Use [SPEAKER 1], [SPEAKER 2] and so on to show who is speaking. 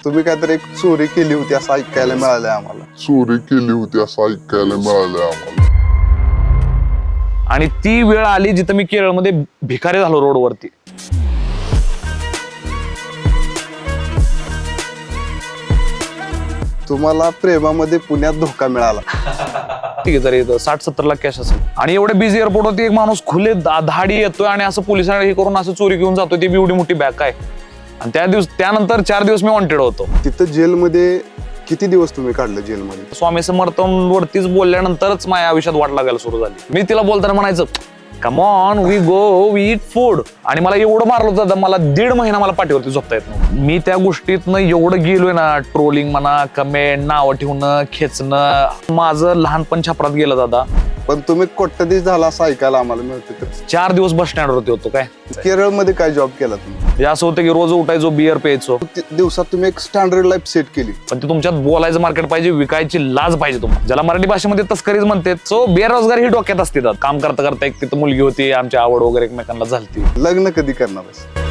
[SPEAKER 1] तुम्ही काहीतरी एक चोरी केली होती असं ऐकायला मिळालंय आम्हाला.
[SPEAKER 2] आणि ती वेळ आली जिथं मी केरळमध्ये भिकारी झालो रोडवरती.
[SPEAKER 1] तुम्हाला प्रेमामध्ये पुण्यात धोका मिळाला.
[SPEAKER 2] ठीक आहे, तरी 60-70 लाख कॅश असेल आणि एवढे बिझी एअरपोर्टवरती एक माणूस खुले धाडी येतोय आणि असं पोलिसांना हे करून असं चोरी घेऊन जातोय. ती बी एवढी मोठी बॅग काय. आणि त्यानंतर 4 दिवस मी वॉन्टेड होतो.
[SPEAKER 1] तिथं जेलमध्ये किती दिवस तुम्ही काढलं जेलमध्ये?
[SPEAKER 2] स्वामी समर्थांवरतीच बोलल्यानंतरच माझ्या आयुष्यात वाट लागायला सुरू झाली. मी तिला बोलताना म्हणायचं come on we go we eat food. आणि मला एवढं मारलं होतं, मला 1.5 महिना मला पाठीवरती झोपता येत नव्हतं. मी त्या गोष्टीतनं एवढं गेलोय ना, ट्रोलिंग म्हणा, कमेंट, नावं ठेवणं, खेचणं, माझं लहानपण छापरात गेलं दादा.
[SPEAKER 1] पण तुम्ही कोट्याधीश झाला असं ऐकायला आम्हाला मिळतं.
[SPEAKER 2] 4 दिवस बस स्टँडवरती होतो. काय
[SPEAKER 1] केरळमध्ये काय जॉब केला तुम्ही?
[SPEAKER 2] म्हणजे असं होतं की रोज उठायचो, बियर प्यायचो.
[SPEAKER 1] दिवसात तुम्ही एक स्टँडर्ड लाईफ सेट केली.
[SPEAKER 2] पण ते तुमच्यात बोलायचं मार्केट पाहिजे, विकायची लाज पाहिजे तुम्हाला, ज्याला मराठी भाषेमध्ये तस्करीच म्हणते. सो बेरोजगारी ही डोक्यात असते. काम करता करता एक तिथं मुलगी होती, आमची आवड वगैरे एकमेकांना झालती.
[SPEAKER 1] लग्न कधी करणार?